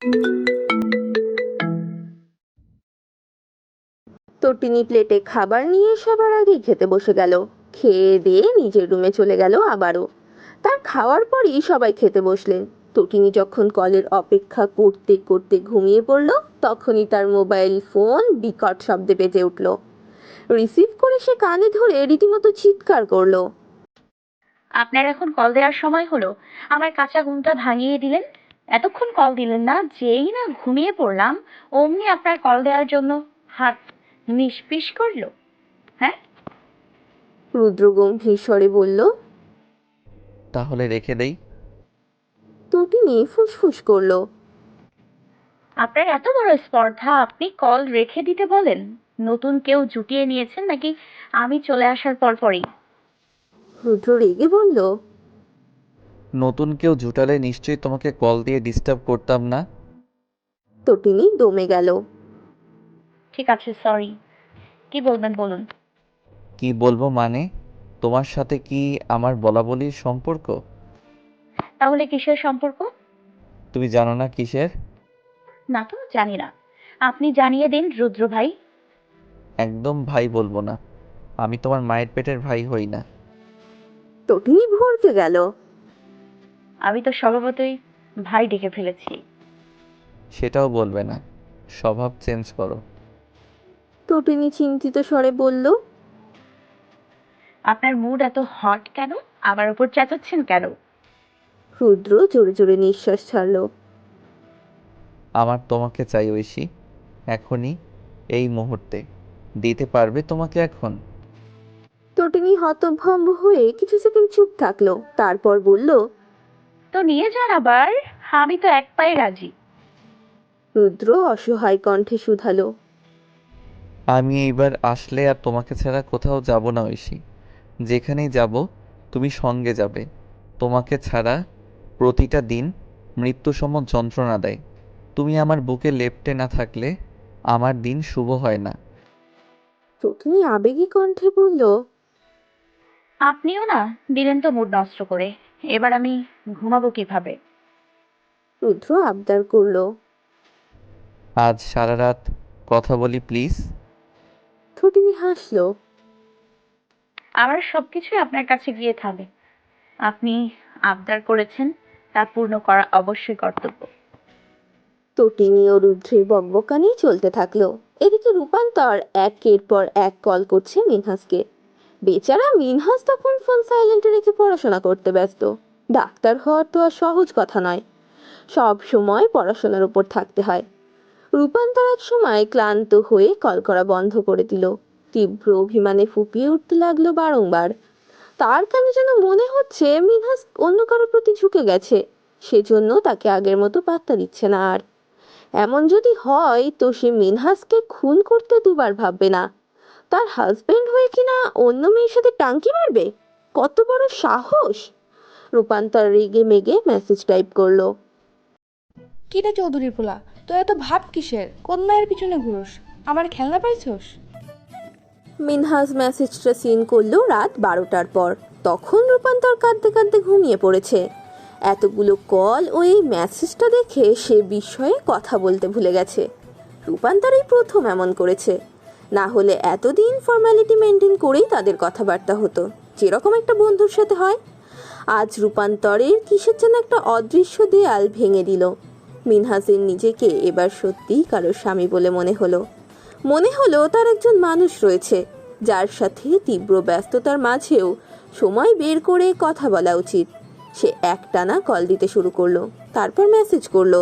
তটিনী প্লেটে খাবার নিয়ে সবার আগেই খেতে বসে গেল। খেয়ে দিয়ে নিজের রুমে চলে গেল আবারও। তার খাওয়ার পরই সবাই খেতে বসলেন। তটিনী যখন কলের অপেক্ষা করতে করতে ঘুমিয়ে পড়ল, তখনই তার মোবাইল ফোন বিকট শব্দে বেজে উঠল। রিসিভ করে সে কানে ধরে রীতিমতো চিৎকার করলো। আপনার এখন কল দেওয়ার সময় হলো? আমার কাঁচা ঘুমটা ভাঙিয়ে দিলেন। এতক্ষণ কল দিলেন না, যেই না ঘুমিয়ে পড়লাম অমনি আপনার কল দেওয়ার জন্য হাত নিষ্পিস করলো। হ্যাঁ, রুদ্র গম্ভীর স্বরে বলল। তাহলে রেখে দেই। তটিনী ফুসফুস করলো। আপনার এত বড় স্পর্ধা, আপনি কল রেখে দিতে বলেন? নতুন কেউ জুটিয়ে নিয়েছেন নাকি আমি চলে আসার পর পরই? রুদ্র রেগে বলল। নতুন কেউ জুটালে নিশ্চয়ই তোমাকে কল দিয়ে ডিস্টার্ব করতাম না। তটিনী দমে গেল। ঠিক আছে, সরি। কি বলবেন বলুন। কি বলবো মানে? তোমার সাথে কি আমার বলাবলির সম্পর্ক? তাহলে কিসের সম্পর্ক? তুমি জানো না কিসের? না তো, জানি না। আপনি জানিয়ে দিন রুদ্র ভাই। একদম ভাই বলবো না। আমি তোমার মায়ের পেটের ভাই হই না। তটিনী ভরকে গেল। আমি তো স্বভাবতই ভাই ডেকে ফেলেছি। সেটাও বলবে না। স্বভাব চেঞ্জ করো। তটিনী চিন্তিত স্বরে বলল। আপনার মুড এত হট কেন? আমার উপর চেঁচাচ্ছেন কেন? রুদ্র জোরে জোরে নিঃশ্বাস ছাড়ল। আমার তোমাকে চাই ঐশী, এখনই, এই মুহূর্তে। দিতে পারবে তোমাকে এখন? তটিনী হতভম্ব হয়ে কিছু সেকেন্ড চুপ থাকলো, তারপর বলল। তো নিয়ে যান আবার। আমি তো এক পায়ে রাজি। রুদ্র অসহায় কণ্ঠে শুধালো। আমি এইবার আসলে আর তোমাকে ছাড়া কোথাও যাব না ঐশী। যেখানেই যাব তুমি সঙ্গে যাবে। তোমাকে ছাড়া প্রতিটা দিন মৃত্যুসম যন্ত্রণা দেয়। তুমি আমার বুকে লেপ্টে না থাকলে আমার দিন শুভ হয় না। তটিনী আবেগী কণ্ঠে বলল। আপনিও না, দিলেন তো মুড নষ্ট করে। এবার আমি ঘুমাবো কিভাবে? রুদ্র আবদার করলো। আজ সারা রাত কথা বলি প্লিজ। তটিনী হাসলো। আমার সবকিছুই আপনার কাছে গিয়ে থামে। আপনি আবদার করেছেন, তা পূর্ণ করা অবশ্যই কর্তব্য। তটিনী ও রুদ্রের বকবকানি চলতে থাকলো। এদিকে রূপান্তর একের পর এক কল করছে মিনহাসকে। বেচারা মিনহাস তখন ফোন সাইলেন্টে রেখে পড়াশোনা করতে ব্যস্ত। ডাক্তার হওয়ার তো আর সহজ কথা নয়, সব সময় পড়াশোনার উপর থাকতে হয়। রূপান্তর এক সময় ক্লান্ত হয়ে কল করা বন্ধ করে দিল। তীব্র অভিমানে ফুপিয়ে উঠতে লাগলো বারংবার। তার কেন যেন মনে হচ্ছে মিনহাস অন্য কারোর প্রতি ঝুঁকে গেছে, সেজন্য তাকে আগের মতো পাত্তা দিচ্ছে না আর। এমন যদি হয় তো সে মিনহাসকে খুন করতে দুবার ভাববে না। তার হাজবেন্ড হয়ে কিনা অন্য মেয়ের সাথে টাঙ্কি মারবে? কত বড় সাহস! রূপান্তর রেগে মেগে মেসেজ টাইপ করলো। কিরে চৌধুরীর পোলা, তোর এত ভাব কিসের? কোন মায়ের পিছনে ঘুরোস? আমার খেলনা পাইছস? মিনহাস মেসেজটা সিন করলো রাত 12টার পর। তখন রূপান্তর কাঁদতে কাঁদতে ঘুমিয়ে পড়েছে। এতগুলো কল ও এই মেসেজটা দেখে সে বিস্ময়ে কথা বলতে ভুলে গেছে। রূপান্তর এই প্রথম এমন করেছে। না হলে এতদিন ফর্মালিটি মেনটেন করেই তাদের কথাবার্তা হতো, যেরকম একটা বন্ধুর সাথে হয়। আজ রূপান্তরের কিসের যেন একটা অদৃশ্য দেয়াল ভেঙে দিল। মিনহাসের নিজেকে এবার সত্যিই কারোর স্বামী বলে মনে হলো তার একজন মানুষ রয়েছে, যার সাথে তীব্র ব্যস্ততার মাঝেও সময় বের করে কথা বলা উচিত। সে একটানা কল দিতে শুরু করলো, তারপর মেসেজ করলো।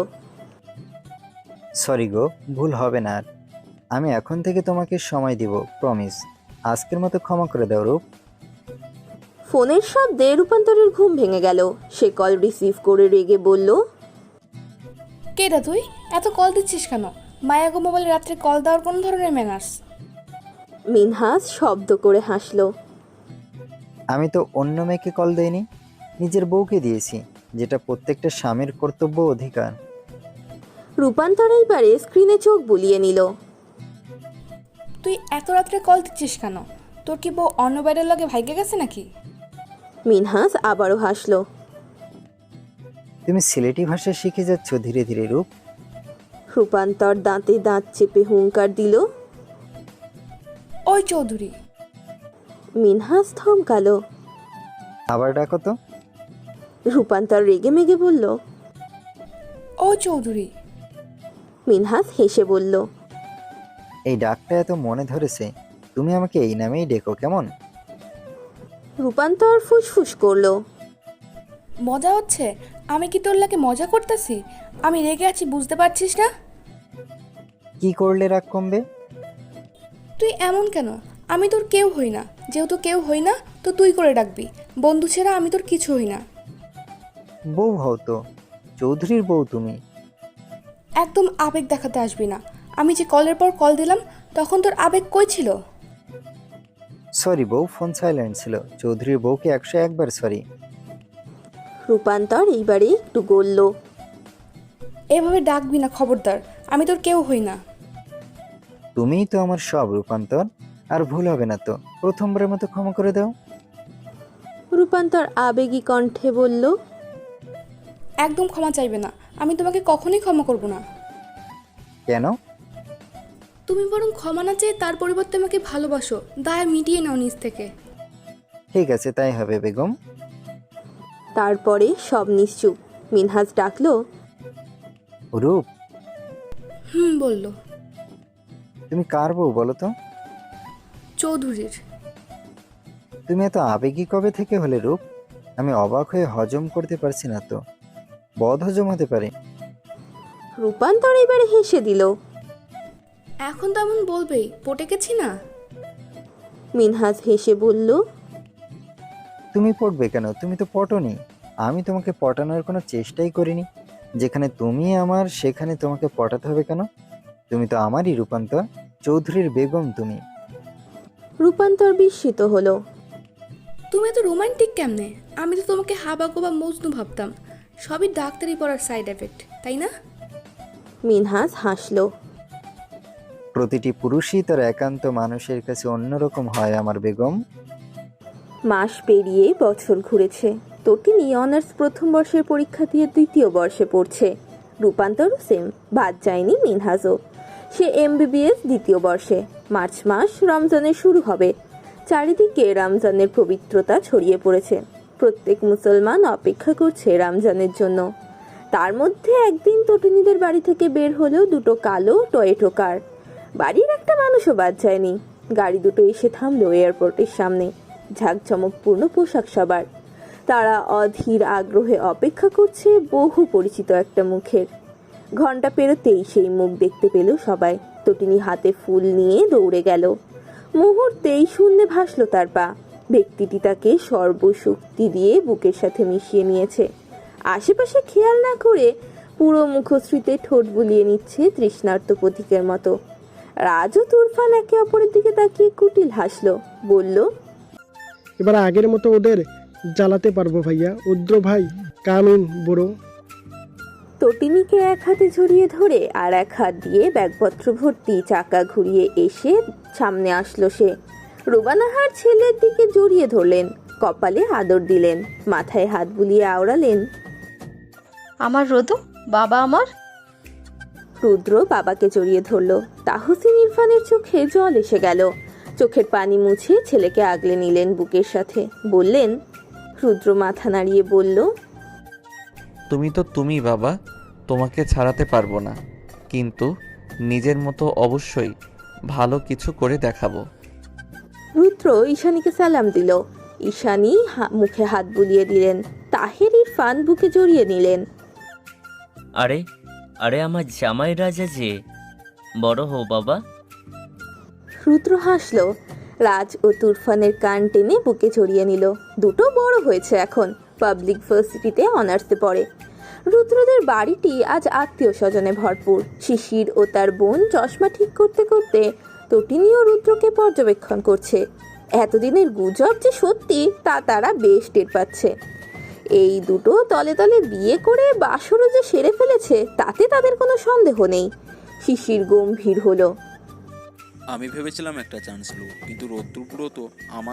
সরি গো, ভুল হবে না আর। আমি এখন থেকে তোমাকে সময় দিব, প্রমিস। আজকের মতো ক্ষমা করে দাও রূপ। ফোনের শব্দে রূপান্তরের ঘুম ভেঙে গেল। সে কল রিসিভ করে রেগে বলল। কে রে তুই? এত কল দিচ্ছিস কেন? মায়াগো মোবাইলে রাত্রে কল দেওয়ার কোন ধরনের ম্যানার্স? মিনহাস শব্দ করে হাসলো। আমি তো অন্য মেয়েকে কল দেইনি, নিজের বউকে দিয়েছি, যেটা প্রত্যেকটা স্বামীর কর্তব্য অধিকার। রূপান্তর এইবারে স্ক্রিনে চোখ বুলিয়ে নিল। তুই এত রাত্রে কল দিচ্ছিস কেন? তোর কি বউ অন্য বাইরের লগে ভাইগে গেছে নাকি? মিনহাস আবারও হাসলো। তুমি সিলেটি ভাষা শিখে যাচ্ছ ধীরে ধীরে রূপ। রূপান্তর দাঁতে দাঁত চেপে হুঙ্কার দিল। ওই চৌধুরী। মিনহাস থমকালো। আবার ডাকো তো। রূপান্তর রেগে মেগে বলল। ও চৌধুরী। মিনহাস হেসে বলল। এই ডাকটা এত মনে ধরেছে, তুমি আমাকে এই নামেই ডেকো কেমন? রূপান্তর ফুসফুস করলো। মজা হচ্ছে? আমি কি তোর লাগে মজা করতেছি? আমি রেগে আছি, বুঝতে পারছিস না? কি করলে রাগ কমবে? তুই এমন কেন? আমি তোর কেউ হই না। যেহেতু কেউ হই না, তো তুই করে ডাকবি। বন্ধু ছাড়া আমি তোর কিছু হই না। বউ হও তো, চৌধুরীর বউ তুমি। একদম আবেগ দেখাতে আসবি না। আমি যে কলের পর কল দিলাম, তখন তোর আবেগ কই ছিল? সরি বউ, ফোন সাইলেন্ট ছিল। চৌধুরীর বউকে 101 বার সরি। রূপান্তর এইবারে একটু গলল। এভাবে ডাকবি না, খবরদার। আমি তোর কেউ হই না। তুমিই তো আমার সব রূপান্তর। আর ভুল হবে না তো, প্রথমবারের মতো ক্ষমা করে দাও। রূপান্তর আবেগী কণ্ঠে বলল। একদম ক্ষমা চাইবে না। আমি তোমাকে কখনোই ক্ষমা করব না। কেন? তুমি বরং ক্ষমা না চেয়ে তার পরিবর্তে আমাকে ভালোবাসো। দায় মিটিয়ে নাও নিজ থেকে। ঠিক আছে, তাই হবে বেগম। তারপরে সব নিশ্চুপ। মিনহাস ডাকলো। রূপ, বলল। তুমি কার বউ বলো তো? চৌধুরীর। তুমি এত আবেগী কবে থেকে হলে রূপ? আমি অবাক হয়ে হজম করতে পারছি না তো। বদ হজম হতে পারে। রূপান্তর এবারে হেসে দিল। এখন তো এমন বলবেই, পটে গেছি না? মিনহাস হেসে বলল। তুমি পড়বে কেন? তুমি তো পটনি। আমি তোমাকে পটানোর কোনো চেষ্টাই করিনি। যেখানে তুমি আমার, সেখানে তোমাকে পটাতে হবে কেন? তুমি তো আমারই রূপান্তর, চৌধুরীর বেগম তুমি। রূপান্তর বিস্মিত হলো। তুমি এত রোমান্টিক কেমনে? আমি তো তোমাকে হাবাগো বা মজনু ভাবতাম। সবই ডাক্তারি পড়ার সাইড এফেক্ট, তাই না? মিনহাস হাসলো। প্রতিটি পুরুষই তার একান্ত মানুষের কাছে অন্যরকম হয় আমার বেগম। মাস পেরিয়ে বছর ঘুরেছে। তটিনী অনার্স প্রথম বর্ষের পরীক্ষা দিয়ে দ্বিতীয় বর্ষে পড়ছে। রূপান্তরও সেম, বাদ যায়নি মিনহাজও। সে এমবিবিএস দ্বিতীয় বর্ষে। মার্চ মাস রমজানের শুরু হবে। চারিদিকে রমজানের পবিত্রতা ছড়িয়ে পড়েছে। প্রত্যেক মুসলমান অপেক্ষা করছে রমজানের জন্য। তার মধ্যে একদিন তটিনীদের বাড়ি থেকে বের হলেও দুটো কালো টয়েটো কার। বাড়ির একটা মানুষও বাদ যায়নি। গাড়ি দুটো এসে থামলো এয়ারপোর্টের সামনে। ঝাঁকঝমকপূর্ণ পোশাক সবার। তারা অধীর আগ্রহে অপেক্ষা করছে বহু পরিচিত একটা মুখের। ঘন্টা পেরোতেই সেই মুখ দেখতে পেল সবাই। তটিনী হাতে ফুল নিয়ে দৌড়ে গেল। মুহূর্তেই শূন্যে ভাসলো তার পা। ব্যক্তিটি তাকে সর্বশক্তি দিয়ে বুকের সাথে মিশিয়ে নিয়েছে। আশেপাশে খেয়াল না করে পুরো মুখশ্রীতে ঠোঁট বুলিয়ে নিচ্ছে তৃষ্ণার্ত প্রতীকের মতো। রাজ ও তুরফান একে অপরের দিকে তাকিয়ে কুটিল হাসলো। বলল, এবার আগের মতো ওদের জ্বালাতে পারবো ভাইয়া। উদ্র ভাই, কামিন বুড়ো। তটিনীকে এক হাতে জড়িয়ে ধরে আর এক হাত দিয়ে ব্যাগপত্র ভর্তি চাকা ঘুরিয়ে এসে সামনে আসলো সে। রোবানাহার ছেলের দিকে জড়িয়ে ধরলেন, কপালে আদর দিলেন, মাথায় হাত বুলিয়ে আওড়ালেন, আমার রোদু, বাবা আমার। রুদ্র বাবাকে জড়িয়ে ধরল। তাহসিন ইরফানের চোখে জল এসে গেল। চোখের পানি মুছে ছেলেকে আগলে নিলেন বুকের সাথে। বললেন, রুদ্র মাথা নাড়িয়ে বলল, তুমি তো তুমি বাবা, তোমাকে ছাড়াতে পারবো না, কিন্তু নিজের মতো অবশ্যই ভালো কিছু করে দেখাবো। রুদ্র ঈশানীকে সালাম দিল। ঈশানী মুখে হাত বুলিয়ে দিলেন। তাহের ইরফান বুকে জড়িয়ে নিলেন। আরে আরে আমার জামাই রাজা যে, বড় হও বাবা। রুদ্র হাসলো। রাজ ও তুরফানের কান টেনে বুকে জড়িয়ে নিল। দুটো বড় হয়েছে এখন, পাবলিক ভার্সিটিতে অনার্সে পড়ে। রুদ্রদের বাড়িটি আজ আত্মীয় স্বজনে ভরপুর। শিশির ও তার বোন চশমা ঠিক করতে করতে তটিনীও রুদ্রকে পর্যবেক্ষণ করছে। এতদিনের গুজব যে সত্যি তা তারা বেশ টের পাচ্ছে। এই দুটো তলে তলে বিয়ে করে বাসরও যে সেরে ফেলেছে তাতে তাদের কোনো সন্দেহ নেই। শিশির গম্ভীর হলো। আমি ভেবেছিলাম একটা চান্স নেব, কিন্তু রৌদ্রপুরও তো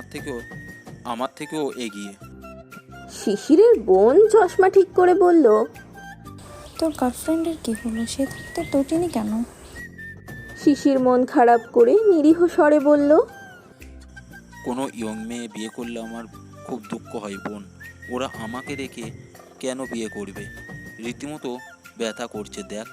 আমার থেকেও এগিয়ে। শিশিরের বোন চশমা ঠিক করে বলল, তোর গার্লফ্রেন্ডের কি হলো? সে থাকতে তটিনি কেন? শিশির মন খারাপ করে নিরীহ স্বরে বলল, কোনো ইয়ং মেয়ে বিয়ে করলে আমার খুব দুঃখ হয় বোন। ওরা আমাকে রেখে কেন বিয়ে করবে? রীতিমতো ব্যথা করছে দেখ।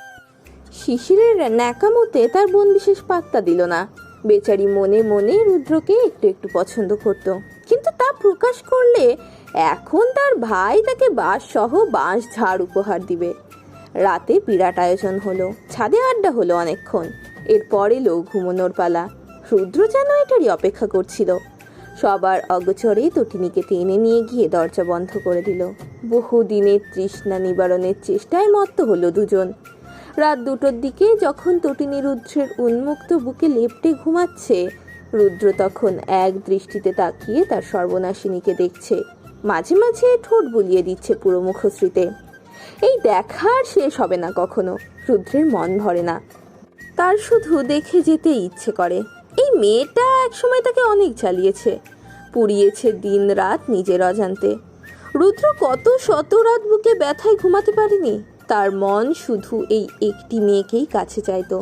শিশিরের ন্যাকামতে তার বোন বিশেষ পাত্তা দিল না। বেচারি মনে মনে রুদ্রকে একটু একটু পছন্দ করত, কিন্তু তা প্রকাশ করলে এখন তার ভাই তাকে বাঁশ সহ বাঁশ ঝাড় উপহার দিবে। রাতে বিরাট আয়োজন হলো, ছাদে আড্ডা হলো অনেকক্ষণ। এরপর এলো ঘুমানোর পালা। রুদ্র যেন এটারই অপেক্ষা করছিল। সবার অগোচরে তটিনীকে টেনে নিয়ে গিয়ে দরজা বন্ধ করে দিল। বহুদিনের তৃষ্ণা নিবারণের চেষ্টায় মত্ত হলো দুজন। রাত 2টোর দিকে যখন তটিনী রুদ্রের উন্মুক্ত বুকে লেপ্টে ঘুমাচ্ছে, রুদ্র তখন এক দৃষ্টিতে তাকিয়ে তার সর্বনাশিনীকে দেখছে। মাঝে মাঝে ঠোঁট বুলিয়ে দিচ্ছে পুরো মুখশ্রীতে। এই দেখার শেষ হবে না কখনো। রুদ্রের মন ভরে না, তার শুধু দেখে যেতে ইচ্ছে করে। এই মেয়েটা একসময় তাকে অনেক জ্বালিয়েছে, পুড়িয়েছে দিন রাত নিজের অজান্তে। রুদ্র কত শত রাত বুকে ব্যথায় ঘুমাতে পারেনি। তার মন শুধু এই একটি মেয়েকেই কাছে চাইতো।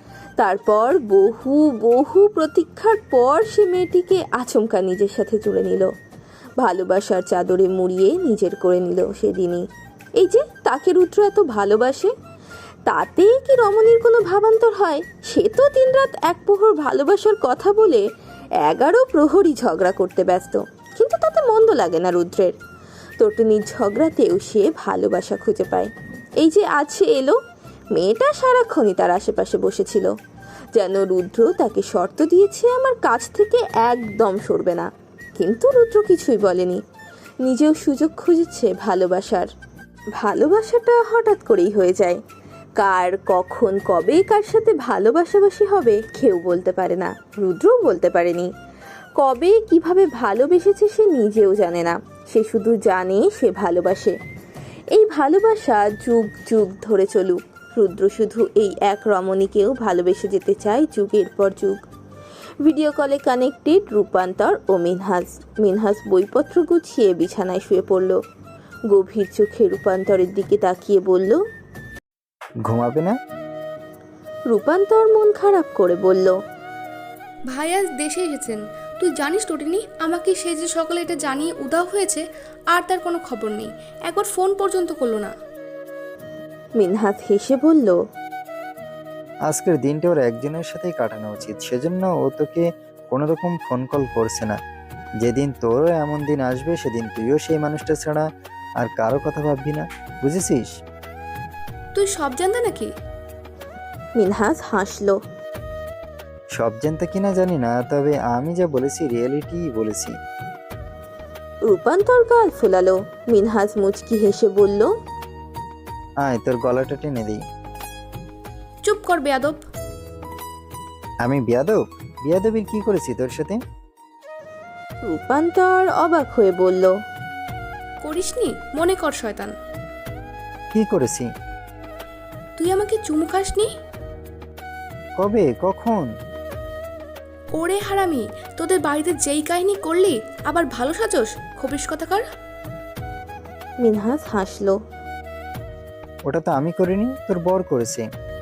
তারপর বহু বহু প্রতীক্ষার পর সে মেয়েটিকে আচমকা নিজের সাথে জুড়ে নিল, ভালোবাসার চাদরে মুড়িয়ে নিজের করে নিল সেদিনই। এই যে তাকে রুদ্র এত ভালোবাসে, তাতে কি রমণীর কোনো ভাবান্তর হয়? সে তো দিনরাত এক প্রহর ভালোবাসার কথা বলে 11 প্রহরই ঝগড়া করতে ব্যস্ত, কিন্তু তাতে মন্দ লাগে না রুদ্রের। তটিনীর ঝগড়াতেও সে ভালোবাসা খুঁজে পায়। এই যে আছে এলো, মেয়েটা সারাক্ষণই তার আশেপাশে বসেছিল, যেন রুদ্র তাকে শর্ত দিয়েছে আমার কাছ থেকে একদম সরবে না। কিন্তু রুদ্র কিছুই বলেনি, নিজেও সুযোগ খুঁজেছে ভালোবাসার। ভালোবাসাটা হঠাৎ করেই হয়ে যায়। কার কখন কবে কার সাথে ভালোবাসাবাসি হবে কেউ বলতে পারে না, রুদ্রও বলতে পারেনি। কবে কিভাবে ভালোবেসেছে সে নিজেও জানে না, সে শুধু জানে সে ভালোবাসে। এই ভালোবাসা যুগ যুগ ধরে চলুক। রুদ্র শুধু এই এক রমণীকেও ভালোবেসে যেতে চায় যুগের পর যুগ। ভিডিও কলে কানেক্টেড রূপান্তর ও মিনহাজ। মিনহাজ বইপত্র গুছিয়ে বিছানায় শুয়ে পড়ল। গভীর চোখে রূপান্তরের দিকে তাকিয়ে বলল, ঘুমাবে না? রূপান্তর মন খারাপ করে বলল, ভাই আজ দেশে এসেছেন। তুই জানিস তটিনি, আমাকে সে যে সকালে এটা জানিয়ে উধাও হয়েছে, আর তার কোনো খবর নেই। একবার ফোন পর্যন্ত করলো না। মিনহাজ হেসে বলল, আজকের দিনটা ওর একজনের সাথেই কাটানো উচিত, সেজন্য ও তোকে কোনো রকম ফোন কল করছে না। যেদিন তোরও এমন দিন আসবে সেদিন তুইও সেই মানুষটা ছাড়া আর কারো কথা ভাববি না, বুঝেছিস? তুই সব জানতে নাকি? মিনহাজ হাসল। সব জানতে কিনা জানি না, তবে আমি যা বলেছি রিয়েলিটি বলেছি। রূপান্তর গাল ফোলালো। মিনহাজ মুচকি হেসে বলল, আয় তোর গলাটা টেনে দিই। চুপ কর বেয়াদব। আমি বিয়াদব? বিয়াদবির কি করেছি তোর সাথে? রূপান্তর অবাক হয়ে বলল, করিসনি? মনে কর শয়তান। কি করেছি? তুই আমাকে চুমু খাসনি? কবে, কখন? ওরে হারামি, তোদের বাড়িতে যেই কাহিনী করলি আবার ভালো সাজস, খবিস কথাকার। মিনহাজ হাসল। ওটা তো আমি করিনি, তোর বর করেছে।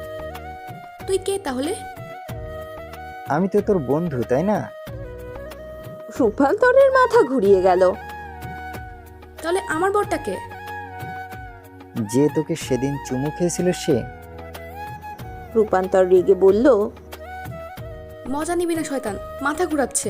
তুই কে তাহলে? আমি তো তোর বন্ধু, তাই না? রূপান্তরের মাথা ঘুরিয়ে গেল। তাহলে আমার বরটাকে? যে তোকে সেদিন চুমু খেয়েছিল সে। রূপান্তর রেগে বলল, মজা নিবি না শয়তান, মাথা ঘুরাচ্ছে।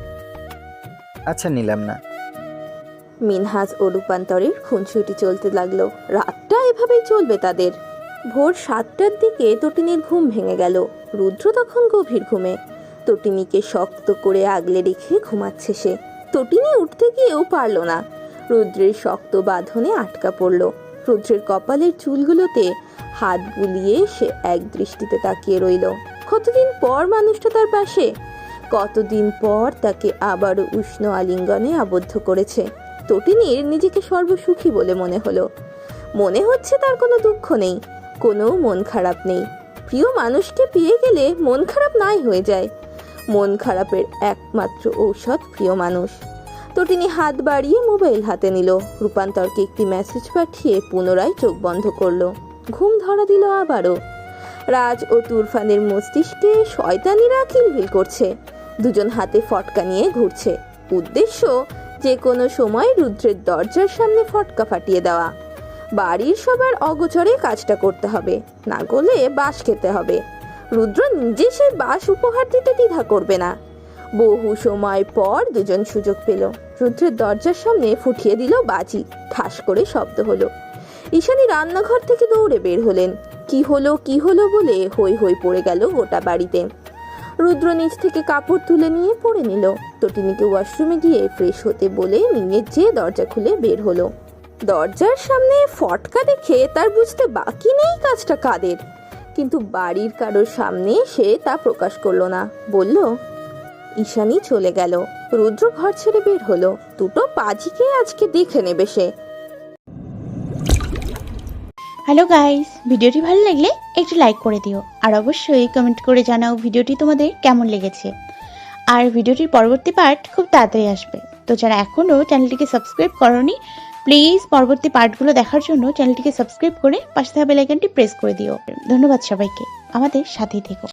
আচ্ছা নিলাম না। মিনহাজ ও রূপান্তরের খুনসুটি চলতে লাগলো। রাতটা এভাবেই চলবে তাদের। ভোর 7টার দিকে তটিনীর ঘুম ভেঙে গেল। রুদ্র তখন গভীর ঘুমে। তটিনীকে শক্ত করে আগলে রেখে ঘুমাচ্ছে সে। তটিনী উঠতে গিয়েও পারল না, রুদ্রের শক্ত বাঁধনে আটকা পড়ল। রুদ্রের কপালের চুলগুলোতে হাত বুলিয়ে সে এক দৃষ্টিতে তাকিয়ে রইল। কতদিন পর মানুষটা তার পাশে, কতদিন পর তাকে আবারও উষ্ণ আলিঙ্গনে আবদ্ধ করেছে। তটিনীর নিজেকে সর্বসুখী বলে মনে হলো। মনে হচ্ছে তার কোনো দুঃখ নেই, কোনো মন খারাপ নেই। প্রিয় মানুষকে পেয়ে গেলে মন খারাপ নাই হয়ে যায়। মন খারাপের একমাত্র ঔষধ প্রিয় মানুষ। তটিনী হাত বাড়িয়ে মোবাইল হাতে নিল। রূপান্তরকে একটি মেসেজ পাঠিয়ে পুনরায় চোখ বন্ধ করলো। ঘুম ধরা দিল আবারও। রাজ ও তুরফানের মস্তিষ্কে শয়তানিরা কিলবিল করছে। দুজন হাতে ফটকা নিয়ে ঘুরছে। উদ্দেশ্য যে কোনো সময় রুদ্রের দরজার সামনে ফটকা ফাটিয়ে দেওয়া। বাড়ির সবার অগোচরে কাজটা করতে হবে, না করলে বাঁশ খেতে হবে। রুদ্র নিজে সেই বাঁশ উপহার দিতে দ্বিধা করবে না। বহু সময় পর দুজন সুযোগ পেল। রুদ্রের দরজার সামনে ফুটিয়ে দিল বাজি। ঠাস করে শব্দ হলো। ঈশানী রান্নাঘর থেকে দৌড়ে বের হলেন। কি হলো বলে হই হই পড়ে গেল গোটা বাড়িতে। রুদ্র নিচ থেকে কাপড় তুলে নিয়ে পরে নিল। তটিনীকে ওয়াশরুমে গিয়ে ফ্রেশ হতে বলে নিয়ে যেয়ে দরজা খুলে বের হলো। দরজার সামনে ফটকা দেখে তার বুঝতে বাকি নেই কাজটা কাদের, কিন্তু বাড়ির কারোর সামনে সে তা প্রকাশ করলো না। বলল, ঈশানী চলে গেল। রুদ্র ঘর ছেড়ে বের হলো। দুটো পাজিকে আজকে দেখে নেবে সে। হ্যালো গাইস, ভিডিওটি ভালো লাগলে একটু লাইক করে দিও, আর অবশ্যই কমেন্ট করে জানাও ভিডিওটি তোমাদের কেমন লেগেছে। আর ভিডিওটির পরবর্তী পার্ট খুব তাড়াতাড়ি আসবে, তো যারা এখনও চ্যানেলটিকে সাবস্ক্রাইব করোনি প্লিজ পরবর্তী পার্টগুলো দেখার জন্য চ্যানেলটিকে সাবস্ক্রাইব করে পাশে থাকা বেল আইকনটি প্রেস করে দিও। ধন্যবাদ সবাইকে, আমাদের সাথেই থেকো।